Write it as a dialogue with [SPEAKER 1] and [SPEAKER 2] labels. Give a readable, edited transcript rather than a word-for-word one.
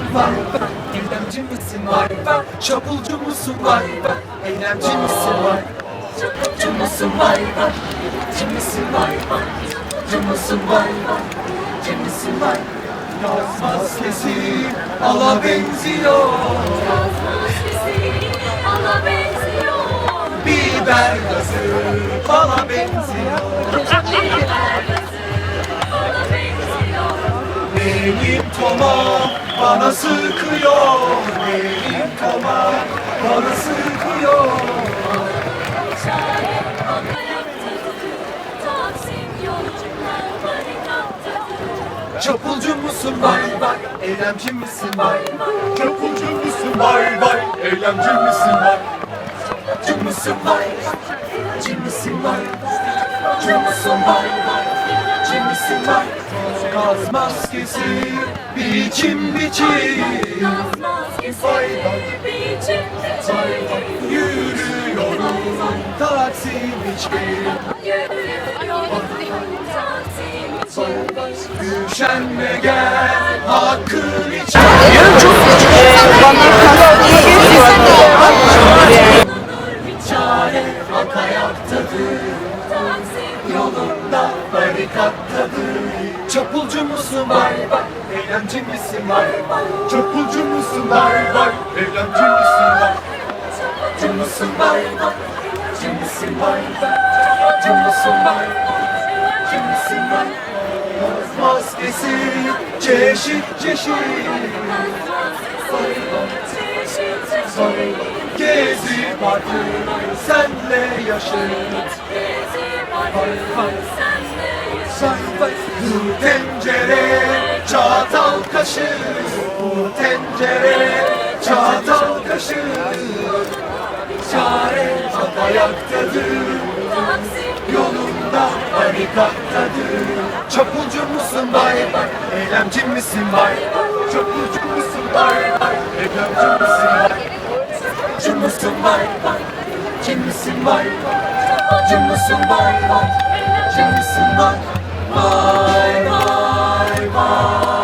[SPEAKER 1] vay vay? Eylemci misin vay vay? Çapulcu musun vay vay? Eylemci misin vay? Çapulcu musun vay vay? Eylemci misin vay vay? Çapulcu musun vay vay? Eylemci misin vay? Gaz maskesi ala benziyor.
[SPEAKER 2] Gaz maskesi ala benziyor.
[SPEAKER 1] Biber gazı bala benziyor.
[SPEAKER 2] Biber gazı ala benziyor.
[SPEAKER 1] Benim tomam bana sıkıyor. Benim tomam bana sıkıyor.
[SPEAKER 2] Çare ayaktadır. Taksim yolcular barikattadır.
[SPEAKER 1] Çapulcu musun vay vay? Eylemci misin vay vay? Çapulcu musun vay vay? Eylemci misin vay? Çapulcu musun vay vay? Eylemci misin vay? Çapulcu musun vay vay? Eylemci misin vay? Gaz maskesi biçim biçim.
[SPEAKER 2] Gaz maskesi biçim biçim.
[SPEAKER 1] Yürüyorum Taksim için.
[SPEAKER 2] Yürüyorum Taksim için.
[SPEAKER 1] Üşenme gel hakkın için. Çare halk ayaktadır.
[SPEAKER 2] Taksim
[SPEAKER 1] Yolunda barikattadır. Çapulcu musun vay vay? Eylemci misin vay vay? Çapulcu musun vay vay? Eylemci misin vay? Çapulcu musun vay vay? Eylemci misin vay vay? Çapulcu musun vay vay? Eylemci misin vay? Gaz maskesi çeşit çeşit. Gezi parkı senle yaşayıp. Bu tencere çatal kaşık. Bu tencere çatal kaşık. Çare halk ayaktadır. Yolunda barikattadır. Çapulcu musun vay vay? Eylemci misin vay vay? Çapulcu musun vay vay? Eylemci misin vay? Çapulcu musun vay vay? Eylemci misin vay vay? Çapulcu musun vay vay? Eylemci misin vay? Vay vay vay.